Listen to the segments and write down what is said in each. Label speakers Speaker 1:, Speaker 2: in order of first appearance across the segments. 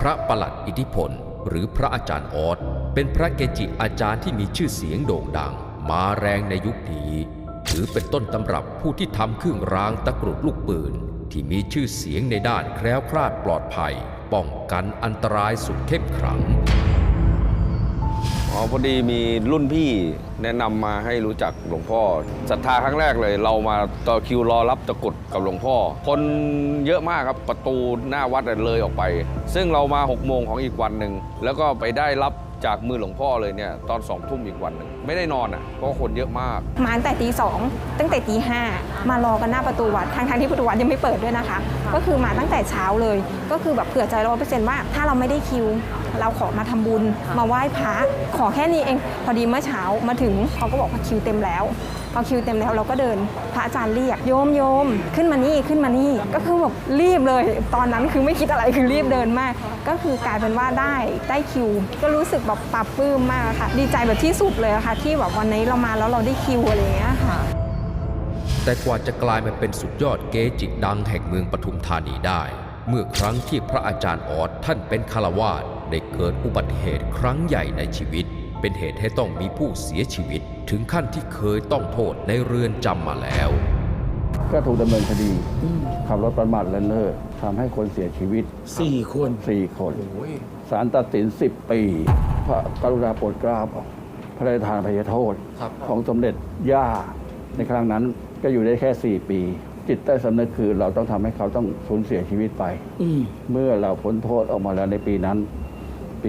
Speaker 1: พระประหลัดอิทธิพลหรือพระอาจารย์ออสเป็นพระเกจิอาจารย์ที่มีชื่อเสียงโด่งดังมาแรงในยุคนี้ถือเป็นต้นตำรับผู้ที่ทำเครื่องรางตะกรุดลูกปืนที่มีชื่อเสียงในด้านแคล้วคลาดปลอดภัยป้องกันอันตรายสุดเข้มขลัง
Speaker 2: พอดีมีรุ่นพี่แนะนำมาให้รู้จักหลวงพ่อศรัทธาครั้งแรกเลยเรามาต่อคิวรอรับตะกรุดกับหลวงพ่อคนเยอะมากครับประตูหน้าวัดเลยออกไปซึ่งเรามา6 โมงของอีกวันหนึ่งแล้วก็ไปได้รับจากมือหลวงพ่อเลยเนี่ยตอน2 ทุ่มอีกวันหนึ่งไม่ได้นอนเพราะคนเยอะมาก
Speaker 3: มาตั้งแต่ตี 2ตั้งแต่ตี 5มารอกันหน้าประตูวัดทางที่ประตูวัดยังไม่เปิดด้วยนะคะก็คือมาตั้งแต่เช้าเลยก็คือแบบเผื่อใจ100%ว่าถ้าเราไม่ได้คิวเราขอมาทำบุญมาไหว้พระขอแค่นี้เองพอดีเมื่อเช้ามาถึงเขาก็บอกว่าคิวเต็มแล้วพอคิวเต็มแล้วเราก็เดินพระอาจารย์เรียกโยมขึ้นมานี่ก็คือแบบรีบเลยตอนนั้นคือไม่คิดอะไรคือรีบเดินมากก็คือกลายเป็นว่าได้คิวก็รู้สึกแบบปลาบปลื้มมากค่ะดีใจแบบที่สุดเลยค่ะที่แบบวันนี้เรามาแล้วเราได้คิวอะไรอย่างเงี้ยค่ะ
Speaker 1: แต่กว่าจะกลายมาเป็นสุดยอดเกจิดังแห่งเมืองปทุมธานีได้เมื่อครั้งที่พระอาจารย์ออสท่านเป็นฆราวาสได้เกิดอุบัติเหตุครั้งใหญ่ในชีวิตเป็นเหตุให้ต้องมีผู้เสียชีวิตถึงขั้นที่เคยต้องโทษในเรือนจำมาแล้ว
Speaker 4: ก็ถูกดำเนินคดีขับรถประมาทเลินเล่อทำให้คนเสียชีวิต
Speaker 5: 4 คน
Speaker 4: ศาลตัดสิน10 ปีพระกรุณาโปรดเกล้าพระราชทานอภัยโทษของสมเด็จย่าในครั้งนั้นก็อยู่ได้แค่4 ปีจิตใต้สำนึกคือเราต้องทำให้เขาต้องสูญเสียชีวิตไปเมื่อเราพ้นโทษออกมาแล้วในปีนั้นปี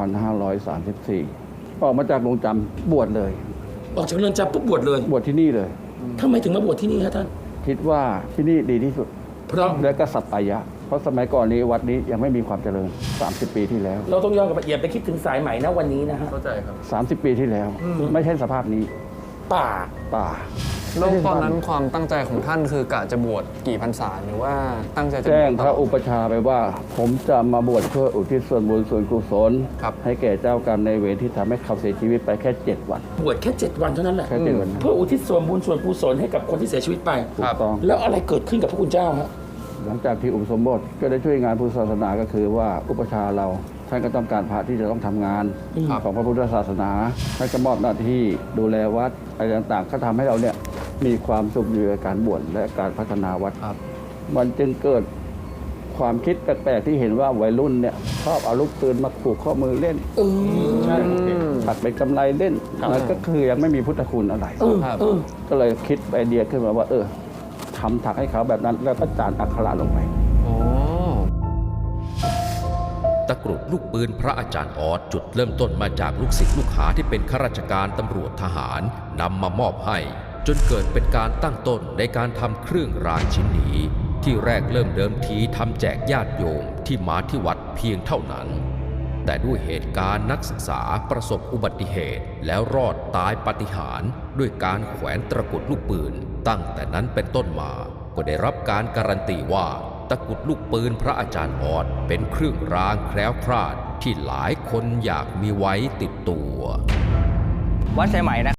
Speaker 4: 2534 ออกมาจากโรงจำบวชเลย
Speaker 5: ออกจากเรือนจำปุ๊บบวชเลย
Speaker 4: บวชที่นี่เลย
Speaker 5: ทำไมถึงมาบวชที่นี่ครับท่าน
Speaker 4: คิดว่าที่นี่ดีที่สุด
Speaker 5: เพราะ
Speaker 4: และก็สัปปายะเพราะสมัยก่อนนี้วัดนี้ยังไม่มีความเจริญ30 ปีที่แล้ว
Speaker 5: เราต้องย้อนกลับไปอย่าไปคิดถึงสายใหม่นะวันนี้นะฮะ
Speaker 2: เข้าใจครับ
Speaker 4: 30 ปีที่แล้วไม่ใช่สภาพนี้
Speaker 5: ป่า
Speaker 6: แล้วตอนนั้นความตั้งใจของท่านคือกะจะบวชกี่พรรษาหรือว่าตั้งใจจะ
Speaker 4: แจ้งพระอุปชาไปว่าผมจะมาบวชเพื่ออุทิศส่วนบุญส่วนกุศลให้แก่เจ้ากรรมในเวรที่ทำให้เขาเสียชีวิตไปแค่7 วัน
Speaker 5: บวชแค่7 วันเท่านั้นแหละ
Speaker 4: แค่7 วัน
Speaker 5: เพื่ออุทิศส่วนบุญส่วนกุศลให้กับคนที่เสียชีวิตไป
Speaker 4: ถูกต้อง
Speaker 5: แล้วอะไรเกิดขึ้นกับพระคุณเจ้าฮะ
Speaker 4: หลังจากที่อุปสมบทก็ได้ช่วยงานพุทธศาสนาก็คือว่าอุปชาเราท่านก็ต้องการพระที่จะต้องทำงานของพระพุทธศาสนาท่านก็มอบหน้าที่ดูแลวัดอะไรต่างๆก็ทำให้เราเนี่ยมีความสุขอยู่กับการบวชและการพัฒนาวัดมันจึงเกิดความคิดแปลกๆที่เห็นว่าวัยรุ่นเนี่ยชอบเอาลูกปืนมาผูกข้อมือเล่นตัดเป็นกำไรเล่นนั่นก็คือยังไม่มีพุทธคุณอะไรก็เลยคิดไอเดียขึ้นมาว่าทำถักให้เขาแบบนั้นแล้วก็จานอักขระลงไป
Speaker 1: ตะกรุดลูกปืนพระอาจารย์ออสจุดเริ่มต้นมาจากลูกศิษย์ลูกหาที่เป็นข้าราชการตำรวจทหารนำมามอบให้จนเกิดเป็นการตั้งต้นในการทำเครื่องรางชิ้นนี้ที่แรกเริ่มเดิมทีทำแจกญาติโยมที่มาที่วัดเพียงเท่านั้นแต่ด้วยเหตุการณ์นักศึกษาประสบอุบัติเหตุแล้วรอดตายปาฏิหาริย์ด้วยการแขวนตะกรุดลูกปืนตั้งแต่นั้นเป็นต้นมาก็ได้รับการการันตีว่าตะกรุดลูกปืนพระอาจารย์ออสเป็นเครื่องรางแคล้วคลาดที่หลายคนอยากมีไว้ติดตัว
Speaker 7: วัดสายไหมนะ